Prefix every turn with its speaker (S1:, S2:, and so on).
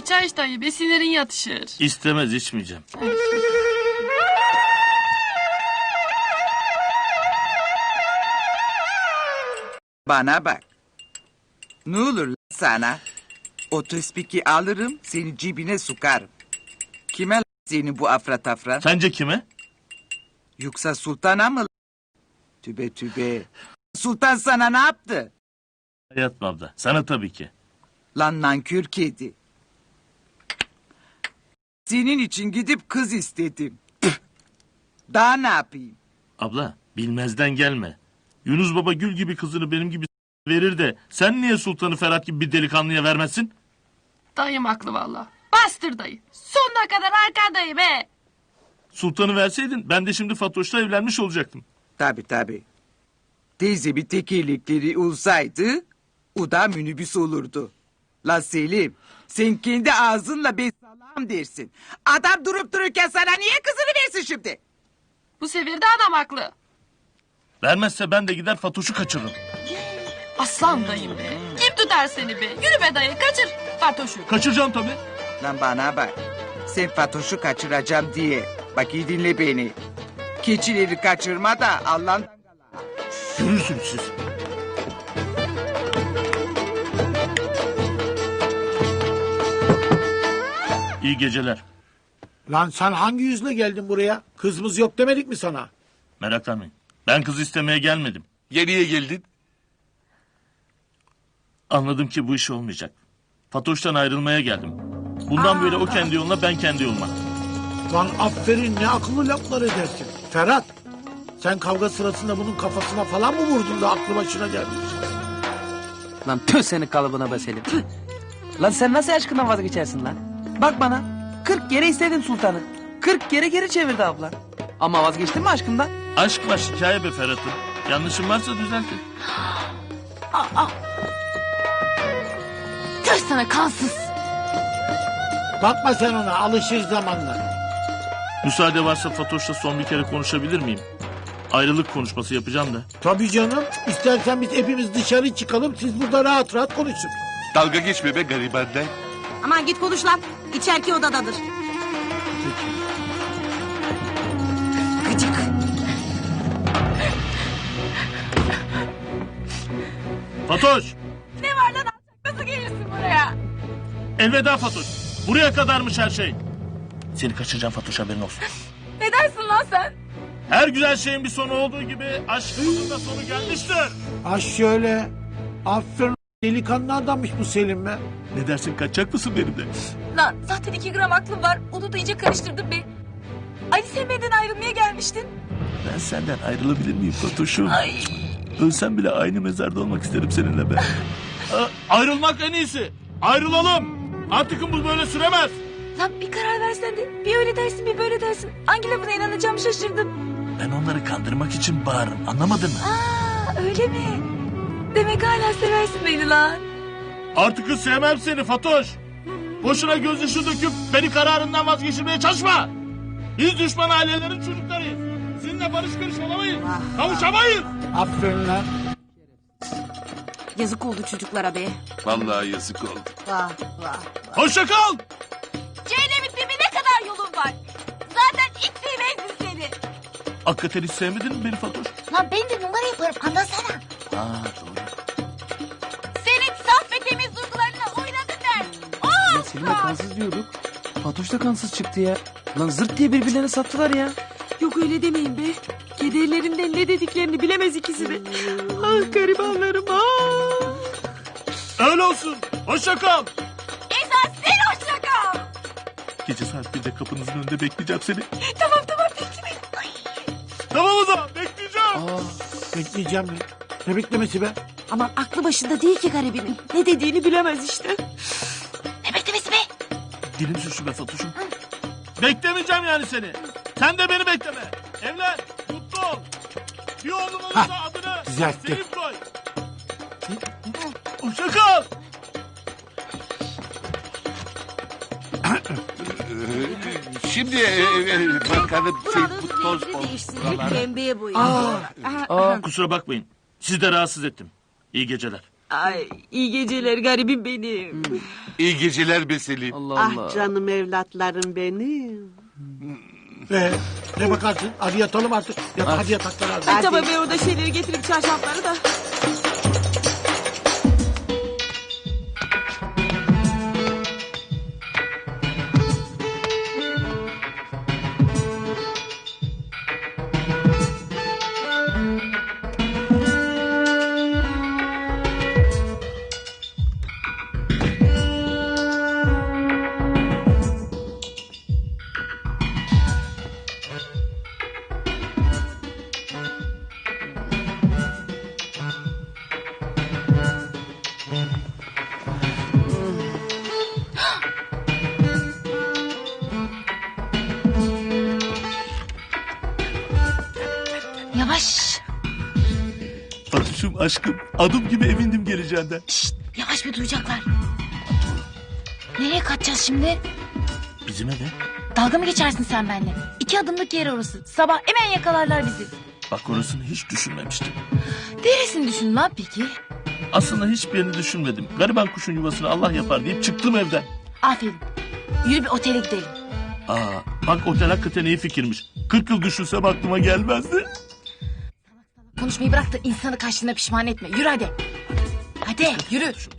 S1: çay iç dayı be, sinirin yatışır.
S2: İstemez, içmeyeceğim.
S3: Bana bak. Ne olur lan sana? O tespiki alırım, seni cebine sokarım. Kime lan senin bu afra tafra?
S2: Sence kime?
S3: Yoksa sultana mı lan? Tübe tübe. Sultan sana ne yaptı?
S2: Hayatım abla, sana tabii ki.
S3: Lan nankör kedi. Senin için gidip kız istedim. Daha ne yapayım?
S2: Abla, bilmezden gelme. Yunus Baba gül gibi kızını benim gibi verir de... ...sen niye Sultan'ı Ferhat gibi bir delikanlıya vermezsin?
S1: Dayım haklı valla. Bastır dayı. Sonuna kadar arkandayım be.
S2: Sultan'ı verseydin ben de şimdi Fatoş'la evlenmiş olacaktım.
S3: Tabii. Teyze bir tekerlekleri olsaydı... ...o da minibüs olurdu. La Selim, sen kendi ağzınla besalam dersin. Adam durup dururken sana niye kızını versin şimdi?
S1: Bu sefer de adam haklı.
S2: Vermezse ben de gider Fatoş'u kaçırırım.
S1: Aslan dayım be. Kim tutar seni be? Yürü be dayı, kaçır Fatoş'u.
S2: Kaçıracağım tabii.
S3: Lan bana bak. Sen Fatoş'u kaçıracağım diye. Bak iyi dinle beni. Keçileri kaçırma da Allah'ın...
S2: Görürsünüz siz. İyi geceler.
S4: Lan sen hangi yüzle geldin buraya? Kızımız yok demedik mi sana?
S2: Meraklanmayın. Ben kız istemeye gelmedim.
S5: Yeniye geldin.
S2: Anladım ki bu iş olmayacak. Fatoş'tan ayrılmaya geldim. Bundan böyle o kendi yoluna, ben kendi yoluma.
S4: Lan aferin, ne akıllı laflar edersin. Ferhat, sen kavga sırasında bunun kafasına falan mı vurdun da aklı başına gelmiş?
S6: Lan tüh senin kalıbına be Selim. Tüh. Lan sen nasıl aşkından vazgeçersin lan? Bak bana, 40 kere istedin sultanı. 40 kere geri çevirdi abla. Ama vazgeçtin mi aşkından?
S2: Aşk var, hikaye be Ferhat'ım. Yanlışım varsa düzeltin.
S1: Tüh sana kansız.
S4: Bakma sen ona, alışır zamanla.
S2: Müsaade varsa Fatoş'la son bir kere konuşabilir miyim? Ayrılık konuşması yapacağım da.
S4: Tabii canım, istersen biz hepimiz dışarı çıkalım, siz burada rahat rahat konuşun.
S5: Dalga geçme be garibandan.
S7: Aman git konuş lan. İçeriki odadadır. Gıcık.
S2: Fatoş!
S1: Ne var lan, nasıl gelirsin buraya?
S2: Elveda Fatoş. Buraya kadarmış her şey. Seni kaçıracağım Fatoş, haberin olsun.
S1: Ne dersin lan sen?
S2: Her güzel şeyin bir sonu olduğu gibi aşkımızın da sonu gelmiştir.
S4: Ha şöyle, aferin, delikanlı adammış bu Selim be.
S2: Ne dersin, kaçacak mısın benimle?
S8: Lan zaten 2 gram aklım var. Onu da iyice karıştırdın be. Ali sen benden ayrılmaya gelmiştin.
S2: Ben senden ayrılabilir miyim Fatoş'um?
S8: Ay.
S2: Ölsem bile aynı mezarda olmak isterim seninle ben. Ayrılmak en iyisi. Ayrılalım. Artık bu böyle süremez.
S8: Lan bir karar versen de bir öyle dersin bir böyle dersin. Hangi lafına inanacağımı şaşırdım.
S2: Ben onları kandırmak için bağırırım, anlamadın mı?
S8: Aa öyle mi? Demek hala seversin beni lan.
S2: Artık sevmem seni Fatoş. Boşuna gözyaşı döküp beni kararından vazgeçirmeye çalışma. Biz düşman ailelerin çocuklarıyız. Sizinle barış görüş olamayız. Kavuşamayız.
S4: Aferin lan.
S7: Yazık oldu çocuklara be.
S5: Vallahi yazık oldu.
S7: Vah vah.
S2: Hoşça kal.
S8: Cehennemin dibine kadar yolun var. Zaten ilk sevmezdim seni.
S2: Hakikaten hiç sevmedin mi beni Fatoş?
S8: Lan ben de numara yaparım anlasana.
S2: Aa doğru.
S8: Senin saf ve temiz duygularına oynadım ben.
S6: Ya Selim'e kansız diyorduk. Fatoş da kansız çıktı ya. Lan zırt diye birbirlerine sattılar ya.
S7: Yok öyle demeyin be. Kedi ellerinden ne dediklerini bilemez ikisi de. Ah garibanlarım ah.
S2: Öyle olsun. Hoşça kal.
S8: Esas sen hoşça kal.
S2: Gece saat 1'de kapınızın önünde bekleyeceğim seni.
S8: Tamam bekle beni. Ay.
S2: Tamam o zaman, bekleyeceğim.
S4: Bekleyeceğim mi? Ne beklemesi be?
S7: Aman aklı başında değil ki garibinin. Ne dediğini bilemez işte.
S8: Ne beklemesi be?
S2: Dilim sürçü be Fatoş'um. Beklemeyeceğim yani seni. Sen de beni bekleme. Evlen, mutlu ol. Bir oğlunun da adını
S4: düzeltti.
S2: Selim koy. Hoşça kal.
S5: Şimdi bakalım bu toz
S7: Değişsin. Pembeye boyayın.
S2: Kusura bakmayın. Sizi de rahatsız ettim. İyi geceler.
S7: Ay iyi geceler garibim benim.
S5: İyi geceler be Selim.
S6: Allah Allah.
S9: Ah canım evlatlarım benim.
S4: Ne bakarsın? Hadi yatalım artık. Hadi yataklara hadi.
S7: Ay tamam ben orada şeyleri getirip çarşafları da.
S1: Yavaş.
S2: Fatoş'um aşkım adım gibi emindim geleceğinden.
S1: Şşt, yavaş bir duyacaklar. Nereye kaçacağız şimdi?
S2: Bizim eve.
S1: Dalga mı geçersin sen benimle? 2 adımlık yer orası. Sabah hemen yakalarlar bizi.
S2: Bak orasını hiç düşünmemiştim.
S1: Neresini düşün lan peki?
S2: Aslında hiçbir yerini düşünmedim. Gariban kuşun yuvasını Allah yapar deyip çıktım evden.
S1: Aferin. Yürü bir otele gidelim.
S2: Bak otel hakikaten iyi fikirmiş. 40 yıl düşünsem aklıma gelmezdi.
S1: Konuşmayı bırak da insanı kaçtığına pişman etme. Yürü hadi. Hadi yürü.